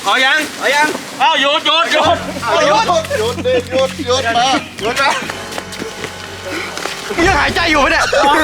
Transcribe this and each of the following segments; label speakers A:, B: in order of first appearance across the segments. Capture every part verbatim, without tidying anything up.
A: ขอยังขอยังเอ้าหยุดหยุดหยุด
B: หยุดหยุดหยุดหยุดหยุดมาหยุดมา
A: ยังหายใจอยู่ไหมเนี่ยส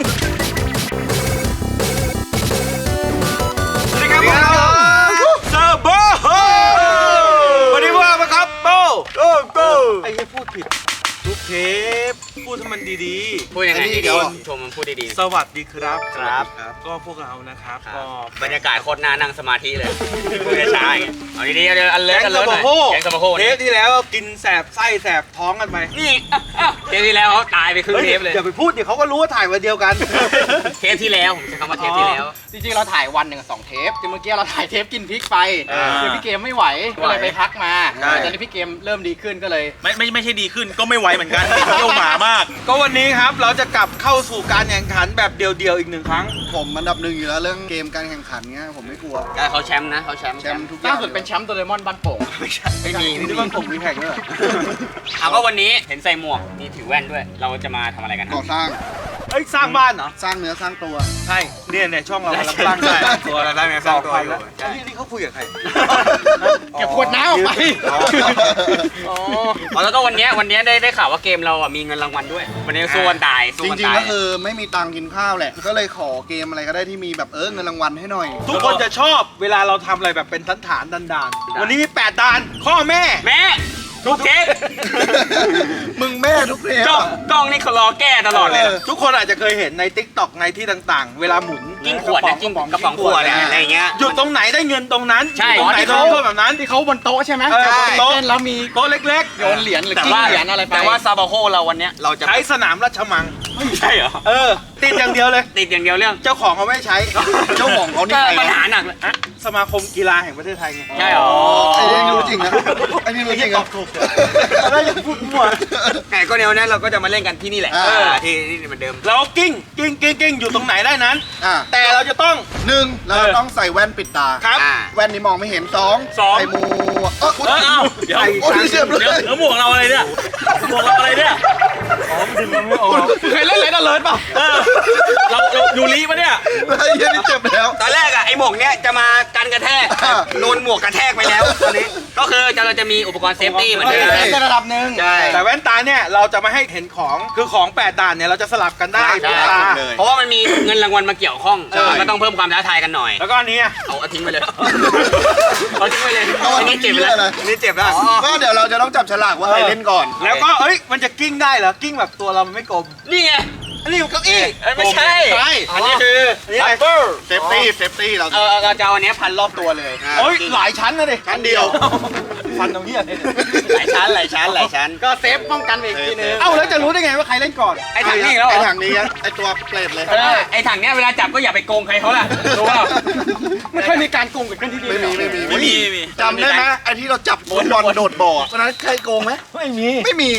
A: วัสดีครับเซอร์โบวันนี้ว่ามาครับโบโบโบไอ้พูดผิดทุกเทปพูดให้มันดีๆ
C: พูดยังไงดีๆชมมันพูดดี
A: ๆสวัสดีครับ
C: ครับ
A: ก็พวกเรานะครับก็
C: บรรยากาศโคตรน่านั่งสมาธิเลยพูดช้าๆอย่างเงี้ยเอาดีๆเอาอันเลิศอันเลิศหน่อยแกงสมโภช
A: เทปที่แล้วกินแสบไส้แสบท้องกันไป
C: นี่เทปที่แล้วเขาตายไปครึ่งเทปเลย
A: อย่าไปพูดเดี๋ยวเขาก็รู้ว่าถ่ายวันเดียวกัน
C: เทปที่แล้วผมใช้คำว่าเทปที่แล้ว
D: จริงๆเราถ่ายวันหนึ่งสองเทปจริงเมื่อกี้เราถ่ายเทปกินพริกไปคือพี่เกมไม่ไหวก็เลยไปพักมาตอนนี้พี่เกมเริ่มดีขึ้นก็เลย
A: ไม่ไม่ไม่ใช่ดีขึ้นก็ไม่ไหวเหมือนกันเที่ยวหมามากก็วันนี้ครับเราจะกลับเข้าสู่การแข่งขันแบบเดียวๆอีกหนึ่งครั้ง
B: ผมอันดับหนึ่งอยู่แล้วเรื่องเกมการแข่งขันเงี้ยผมไม่กลัว
C: เขาแชมป์นะเขาแชมป์
B: แชมป์ทุก
D: ล่าสุดเป็นแชมป์โดเรมอนบ้านโป่ง
C: ไม่ใช่ไม่มี
A: ที่บ้านผมมีแข่งด้วย
C: เอาก็วันนี้เห็นใส่หมวกมีถือแว่นด้วยเราจะมาทำอะไรกัน
B: ก่อสร้าง
A: เอ้ยสร้างบ้านเหรอ
B: สร้างเนื้อสร้างตัว
A: ใช่เนี่ยเนี่ยช่องเรากำลังสร้างตัวเราได้ไหมสร้างตัวอยู่นี่เขาคุยกับใคร
D: เก็บขวดน้ำออกไป
C: อ๋อแล้วก็วันนี้วันนี้ได้ได้ข่าวว่าเกมเราอ่ะมีเงินรางวัลด้วยวันนี้สู้กันตาย
B: จริงๆก็คือไม่มีตังค์กินข้าวแหละก็เลยขอเกมอะไรก็ได้ที่มีแบบเออเงินรางวัลให้หน่อย
A: ทุกคนจะชอบเวลาเราทำอะไรแบบเป็นฐานฐานดันดานวันนี้มีแปดดานข้อแม่
C: แม่ทุกเทป
B: มึงแม่ทุกเทป
C: จ้องจ้องนี่เขารอแก้ตลอดเลย
A: ทุกคนอาจจะเคยเห็นใน ติ๊กต็อก ในที่ต่างๆเวลาหมุน
C: กิ้งขวดกิ้งกระป๋องขวดอะไรเงี้ย
A: หยุดตรงไหนได้เงินตรงนั้น
C: ใช่
A: ตรงไหนเขาแบบนั้น
D: ที่เขาบนโต๊ะใช่ไหม
A: โต๊ะ
D: แล้วมี
A: โต๊ะเล็ก
D: ๆโยนเหรียญหรือกิ้งเหรียญอะไรไป
C: แต่ว่าซาบาโฮเราวันนี้เราจะ
A: ใช้สนามราชมัง
C: ไม่ใช่เหรอ
A: เออติดอย่างเดียวเลย
C: ติดอย่างเดียวเรื่อง
A: เจ้าของเขาไม่ใช้
B: เจ้าของเขานี่
C: ปัญหาหนักเลย
A: สมาคมกีฬาแห่งประเทศไทยไง
C: ใช่หรอ
B: ไอ้นี่รู้จริงนะไอ้นี่รู้จริง
A: ครับแล้วอย่าพูดมั่ว
C: แต่ก็เดี๋ยวนี้เราก็จะมาเล่นกันที่นี่แหละที่นี่เหมือนเดิม
A: เรากิ้งกิ้งกิ้งกิ้งอยู่ตรงไหนได้นั้นแต่เราจะต้อง
B: หนึ่งเราต้องใส่แว่นปิดตา
A: ครับ
B: แว่นนี้มองไม่เห็นสองใส่หมวกเออ
A: เอ้าเดี๋ยว
B: โอ้ยเสียบเลย
A: แล้วหมวกเราอะไรเนี่ยหมวกเราอะไรเนี่ยอ๋อดึงมันไม่ออก
D: เคยเล่นอะไรน่าเลิศป่ะ
A: เรายูริปะเนี่ย
B: ไอ้เหี้ยนี่เจ็บแล้ว
C: ตอนแรกอะไอ้หมวกเนี้ยจะมากันกระแทกโดนหมวกกระแทกไปแล้วตอนนี้ก็คือเราจะมีอุปกรณ์เซฟตี้เหมือนเดิม
D: ในระดับหนึ่ง
C: ใช่
A: แต่แว่นตาเนี่ยเราจะไม่ให้เห็นของคือของแปดด่านเนี่ยเราจะสลับกันได้
C: เพราะว่ามันมีเงินรางวัลมาเกี่ยวข้องก็ต้องเพิ่มความท้าทายกันหน่อย
A: แล้วก็อันนี้
C: เอาทิ้งไปเลยเอาทิ้งไปเลยอันนี้เจ็บแล้วอันนี้เจ็บแล้ว
B: ก็เดี๋ยวเราจะต้องจับฉลากว่าใครเล่นก่อน
A: แล้วก็เอ้ยมันจะกิ้งได้เหรอกิ้งแบบตัวเรามันไม่กลม
C: นี่ไง
A: อันนี้อยู่เก้าอี้
C: ไม่ใช่
A: อันนี้คือ
B: อันนี้เซฟตี้เซฟตี้เรา
C: เออเราจะเอาอันนี้พันรอบตัวเลย
A: โอ้ยหลายชั้นนะดิ
B: ชั้นเดียว
A: ฟันตรงนี้อะไร
C: หลายชั้นหลายชั้นหลายชั้น
D: ก็เซฟป้องกันอีกทีนึง
A: เอ้าแล้วจะรู้ได้ไงว่าใครเล่นก่อน
C: ไอ้ถังนี้แล้ว
B: ไอ้ถังนี้ไอ้ตัวเปรตเลย
C: ไอ้ถังเนี้ยเวลาจับก็อย่าไปโกงใครเขาล่ะรู้ป่ะ
D: ไม่เคยมีการโกงเกิดขึ้นที่นี่
B: ไม่มีไม่มี
A: ไม่มี
B: จำได้ไหมไอ้ที่เราจับบอลโดดบ่อตอนนั้นใครโกงไหม
A: ไม่มี
B: ไม่มี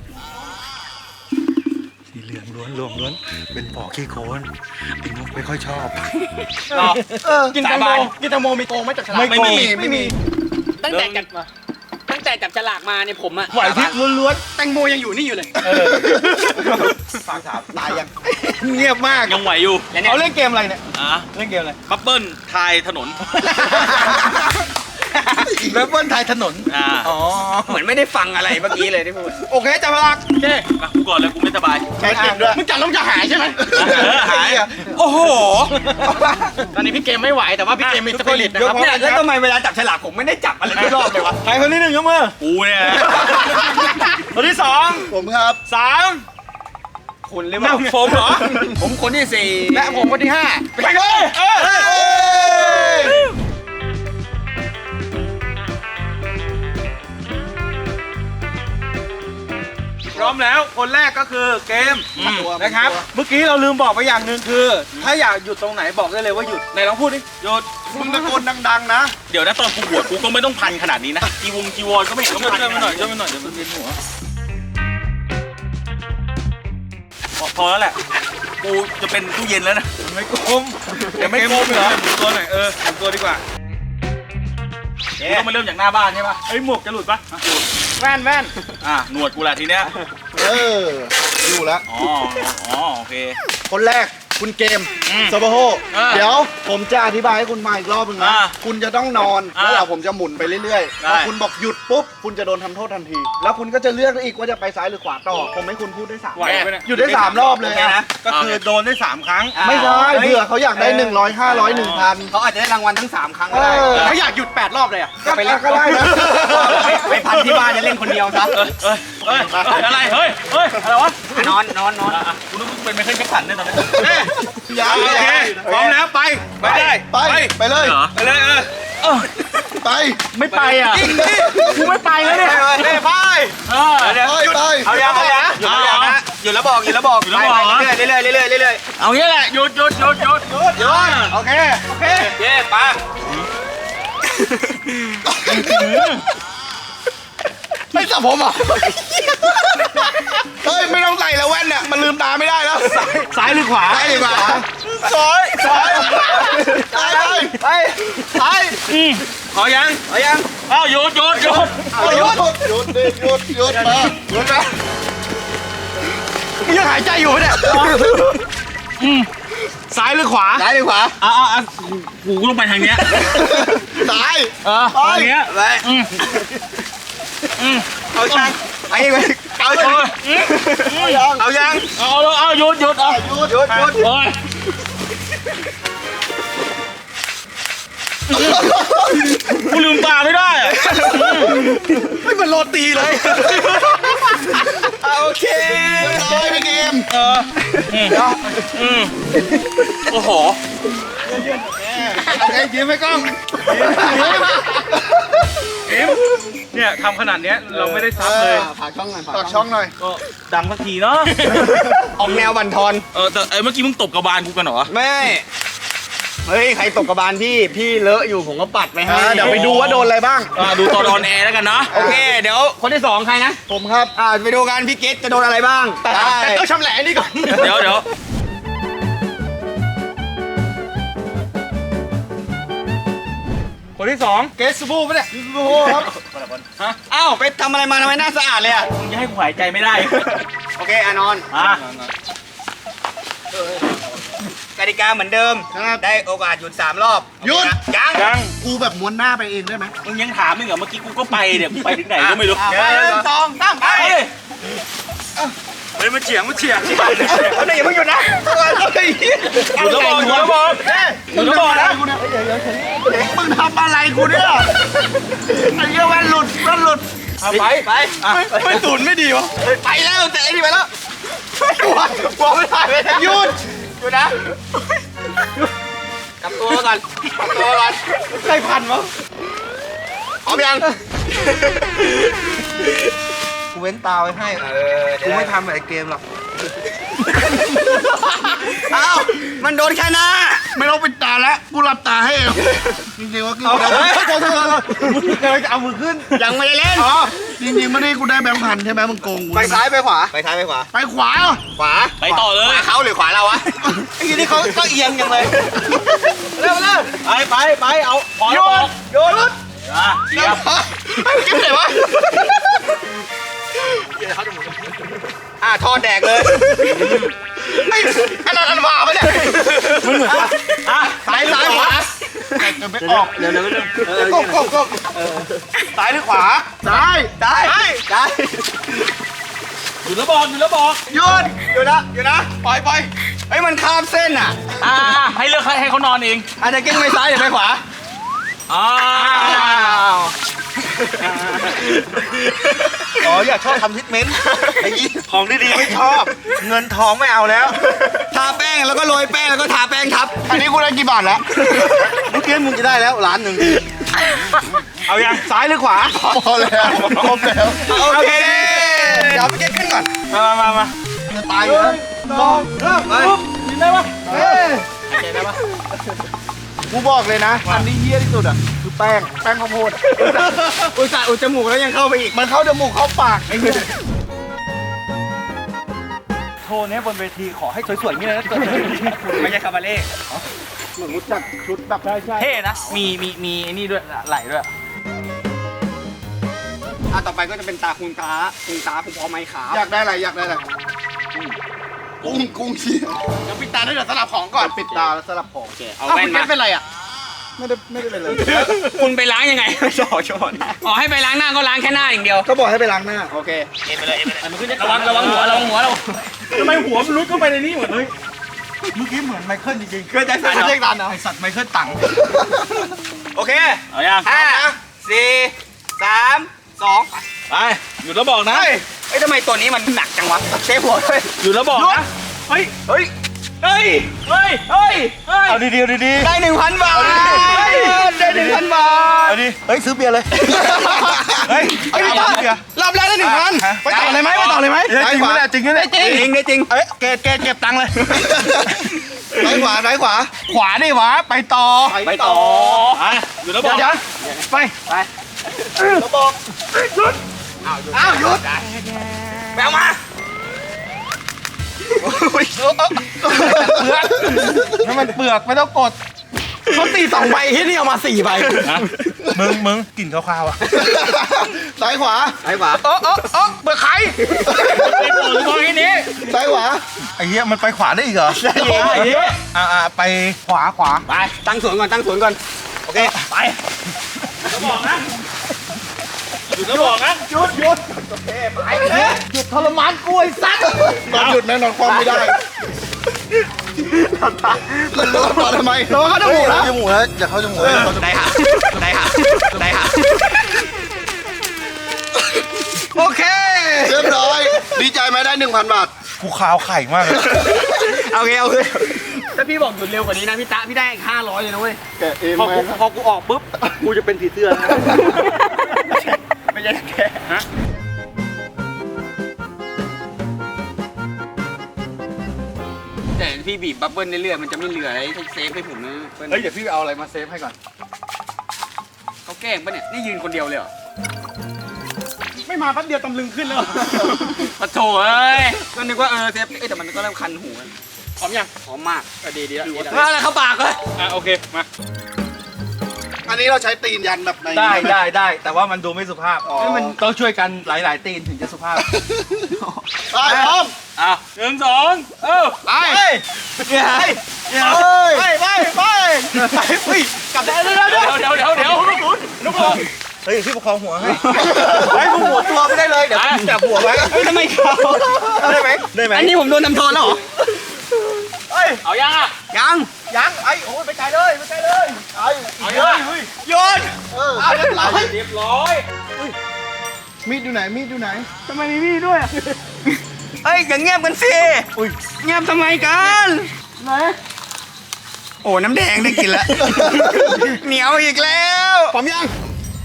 A: สีเหลืองล้วนรวมล้วนเป็นปอกขี้โคลนไอ้นุ๊กไม่ค่อยชอบ
D: กินแตงโมกินแตงโมมีโกงไหมจับฉลาก
A: ไม่มี
D: ไม่มี
C: ตั้งแต่จับตั้งแต่จับฉลากมาเนี่ยผมอะ
A: ไหวพริกล้วน
D: ๆแตงโมยังอยู่นี่อยู่เลย
A: ฝากถามตายยังเงียบมาก
E: ยังไหวอยู่
A: เขาเล่นเกมอะไรเนี่ย
E: อ่ะ
A: เล่นเกมอะไร
E: บับเบิ้ลทายถนน
A: บับเบิ้ลทายถนน
C: อ๋อเหมือนไม่ได้ฟังอะไรเมื่อกี้เลยที่พูด
A: โอเคจับฉลาก
E: โอเคมากูก่อนเลยกูไม่สบาย
B: ใช้เกมด้วย
D: มึงจับแล้วจะหายใช่ไหม
E: หายโอ้โห
D: ตอนนี้พี่เกมไม่ไหวแต่ว่าพี่เกมมีสปิริตนะครับ
C: แล้วทำไมเวลาจับฉลากผมไม่ได้จับอะไรทุกรอบเลยวะ
A: ใครคนที่หนึ่งยกมือ
E: กูเนี่ย
A: คนที่สอง
B: ผมครับ
A: สาม
C: คุณหรือเปล่า
A: ผมเหรอ
C: ผมคนที่สี่
D: และผมคนที่ห้า
A: ไปเลยพร้อมแล้วคนแรกก็คือเกมนะครับเมื่อกี้เราลืมบอกไปอย่างหนึ่งคือถ้าอยากหยุดตรงไหนบอกได้เลยว่าหยุดไหนลองพูดดิหยุด
B: มึงตะโกนดังๆนะ
E: เดี๋ยวนะตอนกูบวชกูก็ไม่ต้องพันขนาดนี้นะจีวงจีวรก็ไม่เห็นต้องพัน
A: ช่วยมาหน่อยช่วยมาหน่อยเดี๋ยวมันเวียนหัว
E: พอแล้วแหละกูจะเป็นตู้เย็นแล้วนะ
A: ไม่กลมเดี๋ยวไม่กลมเหรอหมุนตัวหน่อยเออหมุนตัวดีกว่า
E: ต้องมาเริ่มจากหน้าบ้านใช่ปะ
A: ไอ้หมวกจะหลุดปะ
D: แว่นแว่น
E: อ่ะหนวดกูแหละทีเนี้ย
B: เอออยู่แล้ว
E: อ๋ออ๋อโอเค
B: คนแรกคุณเกมโซโบโฮเดี๋ยวผมจะอธิบายให้คุณมาอีกรอบนึงนะคุณจะต้องนอนแล้วเดี๋ยวผมจะหมุนไปเรื่อยๆพอคุณบอกหยุดปุ๊บคุณจะโดนทำโทษทันที แล้วคุณก็จะเลือกได้อีกว่าจะไปซ้ายหรือขวาต่อผมให้คุณพูดได้สาม
E: ไหวไหมเนี่ย
B: หยุดได้สามรอบเลยนะ
A: ก็คือโดนได้สามครั้ง
B: ไม่ใช่เผื่อเขาอยากได้หนึ่งร้อยห้าร้อยหนึ่งพัน
C: เขาอาจจะได้รางวัลทั้งสามครั้ง
B: เอ
C: ก็ได้
B: อ
D: เขาอยากหยุดแปดรอบเลยอ่ะ
B: ก็ไปแล้วก็ได้นะ
C: ไปไปพันที่บ้านจะเล่นคนเดียวซะ
E: เอ้ยเอ้ยอะไรเฮ้ยเฮ้ยอะไรวะ
C: อ่ะนอนนอนนอน
E: อ่ะกูนึกว่าเป็นไมเคิลแจ็คสันเนี่ยตอนนี้
B: ยัง
A: โอเคพร้อมแล้วไปไปได้
B: ไปไปเลย
E: เหรอ
A: ไปเลยเออ
B: ไป
D: ไม่ไปอ่ะกูไม่ไปแล้วเนี่ย
A: ไปไป
E: เออ
A: เดี๋ยว
B: ไปไป
A: เอายังเอายัง
C: หยุดแล้วบอกนะหยุดแล้วบอกหยุดแล้วบอก
E: หยุดแล้วบอกเหรอ
C: ไปเรื่อยๆเรื่อยๆเรื่อยๆเรื่อย
E: เอางี้แหละหยุดหยุดหยุดหยุดหยุด
A: โยนโอเคโอเค
C: ๆเย้ปะ
B: ไม่จับผมอ่ะเฮ้ยไม่ต้องใส่แล้วแว่นเนี่ยมันลืมตาไม่ได้แล้ว
A: ซ้ายหรือขวา
B: ซ้ายดีกว่า
A: ซ้ายซ้าย
B: ซ้ายไป
C: ไปไป
A: ขอยัง
C: เอายัง
E: เอาหยุดหยุดหยุด
B: หยุดหยุดดิหยุดหยุดมาหยุดนะ
A: มึงยังหายใจอยู่เนี่ยซ้ายหรือขวา
C: ซ้ายดีกว่า
E: เอาเอาเอากูกูต้องไปทางเนี้ย
B: ซ้าย
E: เออทางเนี้ย
C: ไป
E: อืมอืม
C: เอายังไปอีกไปเอา
E: โอ้
C: ยัง
E: ยอืมอืม
A: เอายัง
E: เอาเอาเอาหยุดหยุดเอา
B: หยุดหยุดหยุด
E: โอ้ยกูลืมตาไม่ได้อะ
A: ไม่เหมือนโรตีเลยโอเค
B: ซ้ายไปเกม
E: เอออืมอืมโอ้โห
B: โอเคยิ้มให้กล้อง
E: เนี่ยทำขนาดเนี้ยเราไม่ได้ซับเลย
C: ฝากช่องหน่อย
B: ฝากช่องหน่อย
E: ก็ดังสักทีเนาะ
C: ออกแนวบันทอน
E: เออแต่ไอ้เมื่อกี้มึงตบกระบาลกูกันเหรอ
C: แม่เฮ้ยใครตกกระบาลพี่พี่เลอะอยู่ผมก็ปัดไปให้
B: อ่าเดี๋ยวไปดูว่าโดนอะไรบ้าง
E: อ่าดูตอนออนแอร์แล้วกันเนาะ
C: โอเคเดี๋ยวคนที่สองใครนะ
B: ผมครับ
C: อ่าไปดูกันพี่เกตจะโดนอะไรบ้าง
B: แต่
C: ได้
B: แต่ต้องชำแหละนี่ก่อน
E: เดี๋ยวเดี๋ยว
A: คนที่สอง
B: เกสบูปะเนี่ยเกสบูครับ
C: อ้าวไปทำอะไรมาทำไมหน้าสะอาดเลยอ่ะ
E: มึงจะให้กูหายใจไม่ได้
C: โอเคอานอน
E: อ่ะ
C: กติกาเหมือนเดิม
B: ครับ
C: ได้โอกาสหยุดสามรอบ
B: หยุด
C: ยัง
E: ยัง
B: กูแบบม้วนหน้าไปเองได้ไหม
E: มึงยังถามมึงเหรอเมื่อกี้กูก็ไปเนี่ยกูไปถึงไหนก็ไม่รู้
C: อ่ะไปหนึ่งสองสามไป
E: เฮ้ย
A: เฮ้ยมาเฉียงมาเฉียง
C: เอาหน่อยอย่าเพิ่งหยุดนะ
E: หยุดแล้วบอกหยุดแล้วบอกหยุดแล้วบอกนะ
B: มึงทำอะไรกูเนี่ยไอ้เหี้ยแว่นหลุดแว่นหลุด
E: เอาไป
C: ไป
B: ไม่ตูนไม่ดีวะ
C: ไปแล้วแต่ไอ้นี่ไปแล้วกลัวกลัวไม่ได้ไม่ได้
B: หยุด
C: หยุดนะกลับตัวก่อนกลับตัวก่อน
B: ใครพันวะ
C: พร้อมยัง
B: กูเว้นตาไว้ให้
C: เออ
B: กูไม่ทำแบบไอ้เกมหรอก
C: อ้าวมันโดนแค่หน้า
B: ไม่ต้องปิดตาแล้วกูหลับตาให้เองจริงๆว่ากู
C: เอา
B: ได้
C: เฮ้ย
B: เดี๋ยวเดี๋ยวเดี๋ยวมึงกำลังจะเอามือขึ้น
C: ยังไม่ได้เล่น
B: อ๋อจริงๆไม่ได้กูได้แบงค์พันใช่ไหมมึงโกงกู
C: ไปซ้ายไปขวาไปซ้ายไปขวา
B: ไปขวาเหรอ
C: ขวา
E: ไปต่อเล
C: ข
E: ยว
C: าเขาหรือขวาเราวะไอ้ทีนี่เขาก็เอียงยังเลยเร็วเร็ว
E: ไปไปไปเอาพอ
C: โย
E: แล้วบอน ก
C: โยน
E: อ่ะเสียบ
C: ไอ้เก็บไหนวะอ่ะทอดแดกเลยไอ้อันนั้นอันวาปะเนี่ย
E: มึงเหมือนอ่ะ
C: ซ้ายซ้ายขวา
B: จะไม่ออก
E: เดี๋ยวเดี๋ยวเดี๋ยว
B: ก้มก้มก้ม
A: ซ้ายหรือขวา
B: ซ้าย
C: ได้ได้
E: หยุดแล้วบอกหยุดแล้วบอก
C: หยุดหยุดนะหยุดนะปล่อยปล่อยไอ้ยมันข้ามเส้นอ่ะ
E: อ่าให้เลือกให้ให้เขานอนเอง
C: อาจจะกิ้งไปซ้ายหรือไปขวา
E: อ้าว
A: อ๋ออยากชอบทำทิทเมนต์ไอ้ยี่ของดีๆไม่ชอบ เงินทองไม่เอาแล้ว
C: ทาแป้งแล้วก็โรยแป้งแล้วก็ทาแป้งทับ
B: อันนี้กูได้กี่บาทแล้ว
A: เมื่อกี้มึงจะได้แล้วล้านหนึ่งเอายังซ้ายหรือขวา
B: พอแล้วครบแล้ว
C: โอเคเดี๋ยวไปเก็ตขึ้นก่อน
E: มามามามา
B: จะตายอยู่แล้ว
A: สองเริ่ม
C: ไป
E: กินได้ปะ
B: เฮ้ย
E: หายใจได้ปะ
B: กูบอกเลยนะ อันนี้เฮี้ยที่สุดอ่ะ คือแป้ง แป้งข้าวโพดอะ
C: อุตส่าห์อุดจมูกแล้วยังเข้าไปอีก
B: มันเข้าจมูกเข้าปากไอ้เหี้ย
E: โชว์เนี้ยบนเวทีขอให้สวยๆนี่เลยนะเกิด
C: ไม่ใช่คาบาเล่
B: เหมือนรู้จักชุดแบบใช่ใช่
E: เท่นะ มีมีมีไอ้นี่ด้วยไหลด้วย
C: อ่ะต่อไปก็จะเป็นตาคุณตาคุณตาคุณพอไม้ขาว
B: อยากได้อะไรอยากได้อะไร
E: ก
B: กุ้งกุ้งเชี่ย
D: เดี๋ยวปิดตาด้วยเดี๋ยวสลับของก่อน
B: ปิดตาแล้วสลับของ
C: เอา
D: เอา
C: แว่
D: คุ
C: น
D: ณ
C: มา
D: เก็ตเป็นไรอ่ะ
B: ไม่ได้ไม่ได้เป็นไร
C: คุณไปล้างยังไงไม่ชอบชอบอ๋อให้ไปล้างหน้าก็ล้างแค่หน้าอย่างเดียว
B: ก็บอกให้ไปล้างหน้า
D: โอเค
C: เอ็นไปเลยเอ็นไปเลยมันขึ้นระวังระวังหัวระวังหัวเรา
E: ทำไมหัวมันลุกเข้าไปในนี้หมดเลย
B: เมื่อกี้เหมือนไมเคิลจริงๆ
C: เกิดจากสาร
D: เรียกร้านเหรอ
B: ไอสัตว์ไมเคิลตัง
C: โอเค
E: เอายัง
C: ห้าสี่สามสอง
E: ไปหยุดแล้วบอกนะ
C: เฮ้ยเอ้ยทำไมตัวนี้มันหนักจังวะเซฟหัวด้วย
E: หยุดแล้วบอกนะเฮ้ย
C: เฮ้ย
E: เฮ้ยเฮ้ยเฮ้ยเฮ้ย
B: เอาดีๆเอาดี
C: ได้หนึ่งพันบาทได้หนึ่งพันบาท
B: เอาดีเฮ้ยซื้อเบียร์เลย
C: เฮ้ย
B: เฮ้ยพี่ต้ารอบแรกได้หนึ่งพันไปต่อเลยไหมไปต่อเลยไหม
C: ได้จริงไหมเนี่ยจริงไหมเนี่ยจริงได้จริง
B: เอ้ยเกตเกตเก็บตังค์เลยซ้ายขวาซ้ายขวา ขวาดิวะไปต่อ
C: ไปต่อ
E: ไปหยุดแล้วบอก
B: เดี๋ยวไป
C: ไป
B: แล้วบอกหยุดอ้าวหยุด
C: แมวมา
B: ถ้ามันเปลือกไม่ต้องกดเขาตีสองใบที่นี่เอามาสี่ใบ
E: มึงมึงกลิ่นคาวๆอ่ะ
B: ซ้ายขวา
C: ไปขวา
B: เออเออเออเปลือกไข่
E: ไอ้ตัวตัวแค่นี้
B: ซ้ายขวาไอ้เหี้ยมันไปขวาได้อีกเหรอ
E: ไอ้เหี้ย
B: อ่าอ่าไปขวาขวา
C: ไปตั้งสวนก่อนตั้งสวนก่อนโอเค
E: ไปแล้วบอกนะหยุดแล้วบอกนะ
B: หยุดหยุดหยุดทรมานกูไอ้สัตว์นอนหยุดแน่นอนความไม่ได้แล้วต่อทำไมเราเข้าจมูกนะจมูกแล้วอย่าเข้าจมูก
C: ได้ค่ะได้ค่ะได้ค่ะ
B: โอเคเรียบร้อยดีใจไหมได้หนึ่งพันบาท
E: กูขาวไข่มากเลย
C: โอเคโอเคถ้าพี่บอกหยุดเร็วกว่านี้นะพี่ตะพี่ได้ห้าร้อยเลยนะเว้ย
B: แกะเอง
C: พอ
B: ไหม
C: กูพอกูออกปุ๊บกูจะเป็นผีเสื้อนะไม่ใช่แกฮะแต่พี่บีบบับเบิ้ลเรื่อยๆมันจะไม่เหลืออะไรให้เซฟให้ผมนะเปิ้ล
B: เฮ้ยเดี๋ยวพี่เอาอะไรมาเซฟให้ก่อน
C: เขาแกล้งปะเนี่ยนี่ยืนคนเดียวเลยเหรอ
B: ไม่มาแป๊บเดียวตำลึงขึ้นแล้ว
C: ปะโถเอ้ยก็นึกว่าเออเซฟเอ้ยแต่มันก็เริ่มคันหูนะ
E: พร้อมยัง
C: หอมมาก
D: ดีดีแล้ว
C: เฮ้ยอะไรเข้าปากเลย
E: อ่ะโอเคมา
B: อันนี้เราใช้ตีนยันแบบใน
E: ได้ได้ได้แต่ว่ามันดูไม่สุภาพ
B: อ๋อ
E: มันต้องช่วยกันหลายๆตีนถึงจะสุภาพ
B: ไปพร้อม
E: อ่ะหนึ่งสองเอ้า
B: ไป
E: ไป
B: ไปไปไปไปเฮ้ยกลับได้แล้ว
E: เดี๋ยวเดี๋ยวเดี๋ยวเดี๋ยวลูกหมุนลูกหมุน
B: เฮ้ยพี่ประคองหัวให้ให้ผมหัวตัวไม่ได้เลยเดี๋ยวผมจับหัวไว้
C: เฮ้ยทำไมเขา
B: ได้ไหมได้ไหม
C: อันนี้ผมโดนทำโทษแล้วเหรอ
B: เฮ้ย
E: เอายังอ่ะ
C: ยัง
B: ยังไอ้โอ้ยไปไกลเลยไปไกลเลยไอ้
E: เอายัง
C: โยน
B: เออเอาเรียบร้อย
E: เรียบร้อย
B: มีดอยู่ไหนมีดอยู่ไหน
C: ทำไมมีมีดด้วยเอ้ยอย่าเงียบกันสิเงียบทำไมกันไหนโอ้น้ำแดงได้กินแล้ว เหนียวอีกแล้ว
B: พร้อมยัง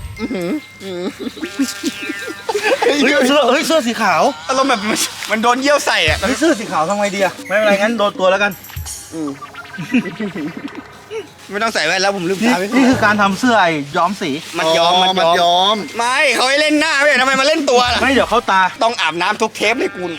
B: เฮ้ยเสื้อเฮ้ยเสื้อสีขาว
C: อารมณ์แบบมันมันโดนเยี่ยวใส่อะ
B: เฮ้ยเสื้อสีขาวทำไงดีอะไม่เป็นไรงั้นโดนตัวแล้วกัน
C: ไม่ต้องใส่แว่นแล้วผมลืม
B: นี่
C: ตาไป
B: นี่คือการทำเสื้อไอ้ย้อมสี
C: มันยอมมันยอมไม่เขาให้เล่นหน้าไม่ใช่ทำไมมาเล่นตัวล่ะ
B: ไม่เดี๋ยวเข้าตา
C: ต้องอาบน้ำทุกเทปเลยคุณ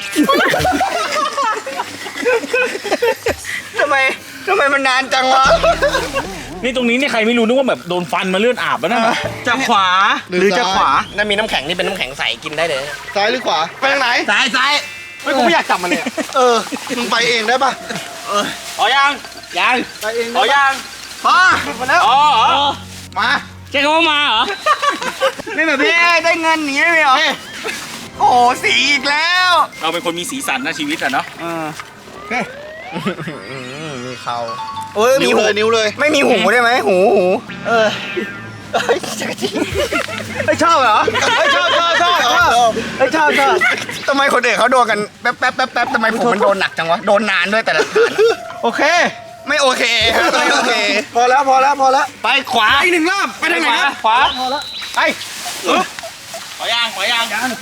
C: ทำไมทำไมมันนานจังวะ
E: นี่ตรงนี้นี่ใครไม่รู้นึกว่าแบบโดนฟันมาเลือดอาบแล้วนะ
B: จะขวาหรือจะขวา
C: นั่นมีน้ำแข็งนี่เป็นน้ำแข็งใสกินได้เลย
B: ซ้ายหรือขวาไปทางไหน
C: ซ้ายซ้าย
B: เฮ้ยกูไม่อยากจับมันเลยเออมึงไปเองได้ปะ
E: เอายัง
C: ยัง
B: ไปเอง
E: เอายัง
B: พอมาแล้ว
E: อ๋ออ๋อ
B: มา
C: ใช่คำว่ามาเหรอ ไม่แบบพี่ได้เงินหนีไม่เหรอโอ้โหสีอีกแล้ว
E: เราเป็นคนมีสีสันนะชีวิตอะเนาะ
C: เออ
B: มีเขา
C: โอ้ยมี
B: นิ้ว
C: หู
B: เลยนิ้วเลย
C: ไม่มีหูได้ไหมหูหูเออเฮ้ยจักรจีไม่ชอบเหรอ
B: เฮ้ยชอบชอบชอบชอบเฮ้ยชอบชอบ
C: ทำไมคนอื่นเขาโดนกันแป๊บแป๊บแป๊บแป๊บทำไมผมมันโดนหนักจังวะโดนนานด้วยแต่ละฐาน
B: โอเค
C: ไม่โอเคไม่โอเค
B: พอแล้วพอแล้วพอแล้ว
C: ไปขวาอีกหนึ่งรอบไปทางไหนครับ
E: ขวา
B: พอแล้วไป
E: ขอยังขอยังยัง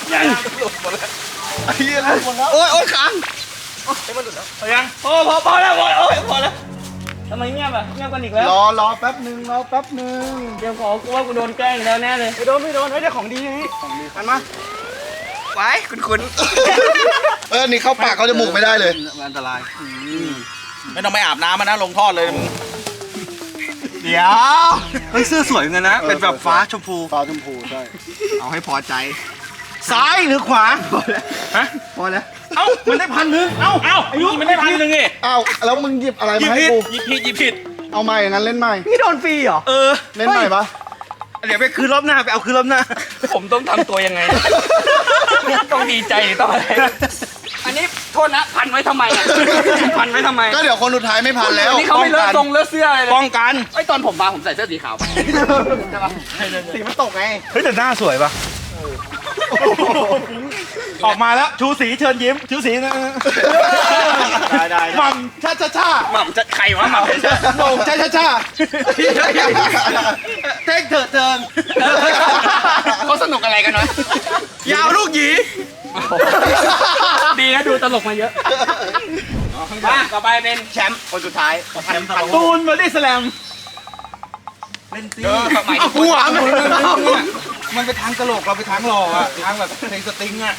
B: ไอ้เหี้ยแล้วหมดแล้ว
C: โอ้ยโอ้ยค้าง
E: ขอยัง
C: พอพอพอแล้วพอแล้วโอ้ยพอแล้วทำไมเงียบอะเงียบกันอีกแล้ว
B: รอรอแป๊บหนึ่งรอแป๊บหนึ่ง
C: เดี๋ยวขอกูว่ากูโดนแกล้งอีกแล้วแน่เลย
B: ไม่โดนไม่โดนไม่ได้ของดีนี่ของดีมันมา
C: ไว้คุณคุณ
B: เออนี่เข้าปากเข้าจมูกไม่ได้เลยอันตราย
E: ไม่ต้องไปอาบน้ำมันนะลงทอดเลยมึง
C: เดี๋ยวเฮ้ยเสื้อสวยเหมือนกันนะเป็นแบบฟ้าชมพู
B: ฟ้าชมพูใช่
C: เอาให้พอใจ
B: ซ้ายหรือขวา
C: พอแล้ว
E: ฮะ
C: พอแล้ว
E: เอ้ามันได้พันหนึ่งเอ้าเอ้าอายุมันได้พันหนึ่งไง
B: อ้าวแล้วมึงหยิบอะไร
E: หยิบ
B: มาให้
E: ผิด
B: กู
E: หยิบผิดหยิบผิด
B: เอาใหม่งั้นเล่นใหม่
C: พี่โดนฟรีเหรอ
E: เออ
B: เล่นใหม่ปะ
A: เดี๋ยวไปคืนรอบหน้าไปเอาคืนรอบหน้า
C: ผมต้องทำตัวยังไง ต้องดีใจหรือต้องอะไร อันนี้โทษนะพันไว้ทำไมอ่ะพันไว้ทำไม
B: ก็เดี๋ยวคนสุดท้ายไม่พันแล้ว
C: นี่เขาไม่เลอะทรงเลอะเสื้ออะไรเลย
A: ป้องกัน
D: ไอ้ยตอนผมมาผมใส่เสื้อสีขาวไปใช่ปะสีมันตกไง
A: เฮ้ยแต่หน้าสวยปะออกมาแล้วชูสีเชิญยิ้มชูสีนะ
B: ได้ได้
A: หม่ำชาชาชา
C: หม่ำจะใครวะหม่ำจะ
A: โหน่งชาชาชาเท่งเถิดเทิง
D: เขาสนุกอะไรกันวะ
A: ยาวลูกหยี
C: ดีนะดูตลกมาเยอะมาต่อไปเป็นแชมป์คนสุดท้ายพันพัน
A: ตูนบอดี้สแลมเล่นซี
C: หมายถึง
A: หัวมันมันไปทางตลกเราไปทางหล่ออะทางแบบเพลงสตริงอะ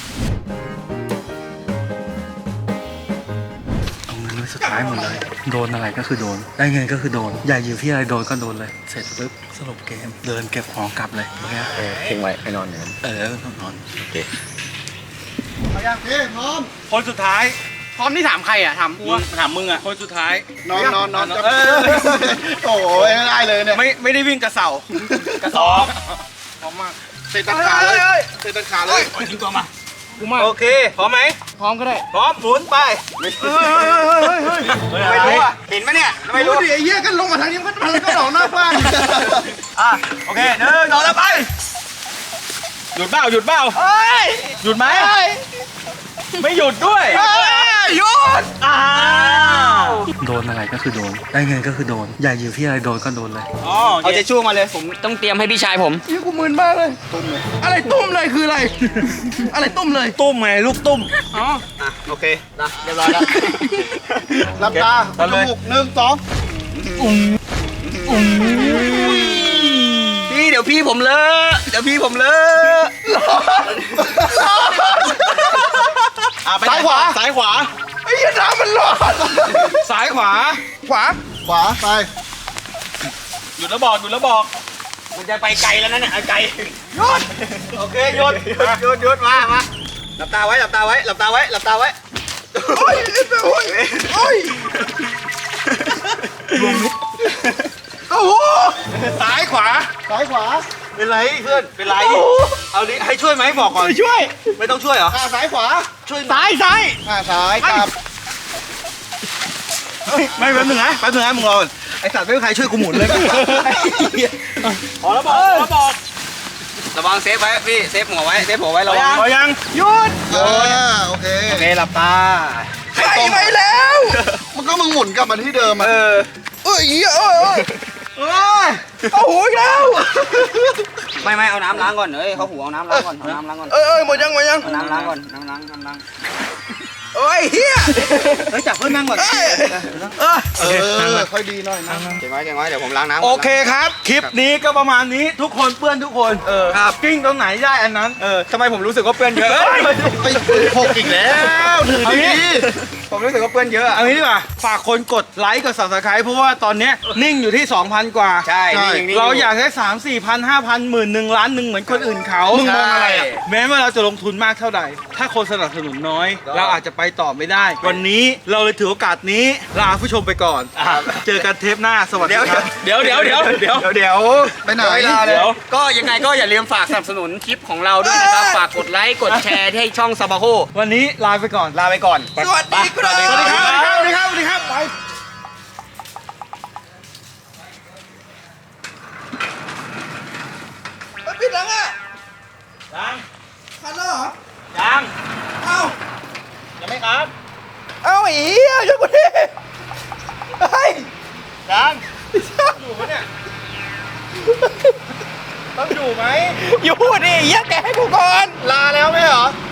A: เอาเงินไว้สุดท้ายหมดเลย โดนอะไรก็คือโดน ได้เงินก็คือโดน อย่าอยู่ที่อะไรโดนก็โดนเลย เสร็จปุ๊บสรุปเกม เดินเก็บของกลับเลยโอเค
C: เออทิ้งไว้ให้นอนอย่างนั้น
A: เออนอนโอเค
B: เอายังพี่พร้อม
A: คนสุดท้าย
D: พร้อมที่ถามใครอ่ะถาม
A: มึงถามมึงอะคนสุดท้าย
B: นอนนอนนอน
A: เออ
B: โอ้ยไม่ได้เลยเนี่ย
A: ไม่ไม่ได้วิ่งกระเสากระสอบพร้อมมาก
B: เตะตัดขาเลยเตะตัดขาเลย
A: ทิ้งตัวมาโอเคพร้อมไหม
D: พร้อมก็ได้
A: พร้อมหมุนไป
C: ไม่รู้อ่ะเห็นไหมเนี่ยไม่
B: ไม่
C: รู้
B: รู้ดิไอ้เหี้ยกันลงมาทางนี้มันมันก็หลอกหน้าบ้าน
A: อ่ะโอเคหนึ่งสองแล้วไปหยุดเบ้าหยุดเบ้า
C: เฮ้ย
A: หยุดไหมไม่หยุดด้วย
C: หยุด
A: อ้าว
E: โดนอะไรก็คือโดน ได้เงินก็คือโดน อย่าอยู่ที่อะไรโดนก็โดนเลย
A: อ๋อ
C: เอาใจช่วงมาเลยผมต้องเตรียมให้พี่ชายผม
B: ยี่กูมึนมากเลยตุ้มเลยอะไรตุ้มเลยคืออะไร อะไรตุ้มเลย
A: ตุ้มไงลูกตุ้ม
C: อ๋อ
A: อ่ะโอเค
C: นะเรียบร้อยแล้ว
B: หลับตา
A: เอาเลย
B: จมูกหนึ่งสอง
C: พี่เดี๋ยวพี่ผมเลอะเดี๋ยวพี่ผมเลอะ
A: อ่ะไป
B: ซ้ายขวา
A: ซ้ายขวา
B: ไอ้เหี้ยน้ำมันร้อน
A: ซ้ายขวา
B: ขวา ขวาไป
A: หยุดแล้วบอกหยุดแล้วบอก
C: มันจะไปไกลแล้วนั่นน่ะไกล
A: โอเคหยุด
C: หยุดหยุดหยุดมามาหลับตาไว้หลับตาไว้หลับตาไว้หลับตาไว้
B: โอ้ยโอ้ยโอ้ยโอ้โห
A: ซ้ายขวา
B: ซ้ายขวา
A: เป็นไรเพื่อนเป็นไรเอาดิให้ช่วยไหมบอกก่อนช่วย ไม่ต้องช่วยเหรอ
B: อ่าซ้ายขวา
A: ช่วยซ้ายซ้าย
B: อ่าซ้ายกลับ
A: ไม่แป๊บนึงนะแป๊บนึงนะมึงรอก่อนไอสัตว์ไม่มีใครช่วยกูหมุนเลยพอแล้วบอกพอแล้วบอก
C: ระวังเซฟไว้พี่เซฟหัวไว้เซฟหัวไว้ระวัง
A: พอยัง
B: หยุดเออโอเค
C: โอเคหลับตา
B: ใครไปแล้ว มันก็มึงหมุนกลับมาที่เดิมอ่ะ
C: เออ
B: เอ้ยเอ้ยเอ้ย
A: เอ้ย
B: โอ้โหอีกแล้ว
C: ไม่ไม่เอาน้ำล้างก่อนเอ้ยเขาหัวเอาน้ำล้างก่อนเอาน้ำล้างก่อน
B: เอ้ยเอ้ยหมดยังหมดยัง
C: เอาน้ำล้างก่อนน้ำล้างน้ำล้าง
B: เอ้ยเฮีย
C: เฮ้ยจับเพื่อนนั่งก่อน
B: เอ้ย
A: เออ
B: เออค่อยดีหน่อยนะ
C: เก็บไว้เก็บไว้เดี๋ยวผมล้างน้ำ
A: โอเคครับ คลิปนี้ก็ประมาณนี้ทุกคนเปื้อนทุกคน เออครับกิ้งตรงไหนได้อันนั้น
C: เออทำไมผมรู้สึกว่าเปื้อนเยอะ
B: ไปหกอีกแล้วถือดี
C: ผมรู้สึกว่าเปื้อนเยอะอะ
A: เอางี้ดีกว่าฝากคนกดไลค์กด Subscribe เพราะว่าตอนเนี้ยนิ่งอยู่ที่ สองพัน กว่า
C: ใช่นี่งนี่
A: เราอยากได้ สาม สี่พัน ห้าพัน หมื่นหนึ่งล้านหนึ่งเหมือนคนอื่นเขา
C: มึงมองอะไรอะ
A: แม้ว่าเราจะลงทุนมากเท่าใด ถ้าคนสนับสนุนน้อย เราอาจจะไปต่อไม่ได้ วันนี้เราเลยถือโอกาสนี้ลาผู้ชมไปก่อน เจอกันเทปหน้าสวัสดี
C: เดี๋ยว
A: ครับ
C: เดี๋ยวเดี๋ยวเดี๋ยวเดี๋ยวเดี๋ยว
B: ไปไหน
C: เดี๋ยวก็ยังไงก็อย่าลืมฝากสนับสนุนคลิปของเราด้วยนะครับ ฝากกดไลค์กดแชร์ให้ช่องซาบาโฮ
A: วันนี้ลาไปก่อน
C: ลาไปก่อน
A: สวัสดีครับ สวัสดีครับ สวัสดีครับ สวัสดีครับ ไป
B: ปิดแล้วอ่ะ
A: ยัง
B: คันแล้วเหรอ
A: ยัง
B: เอ้า
A: ยังไม่ครับ
B: เอ้าไอ้เหี้ยช่วยกูดิเฮ้ย
A: ยังอยู่ปะเนี่ย ต้องอยู่ไหม
C: อยู่ดิเหี้ยแกให้กูก่อน
B: ลาแล้วไหมเหรอ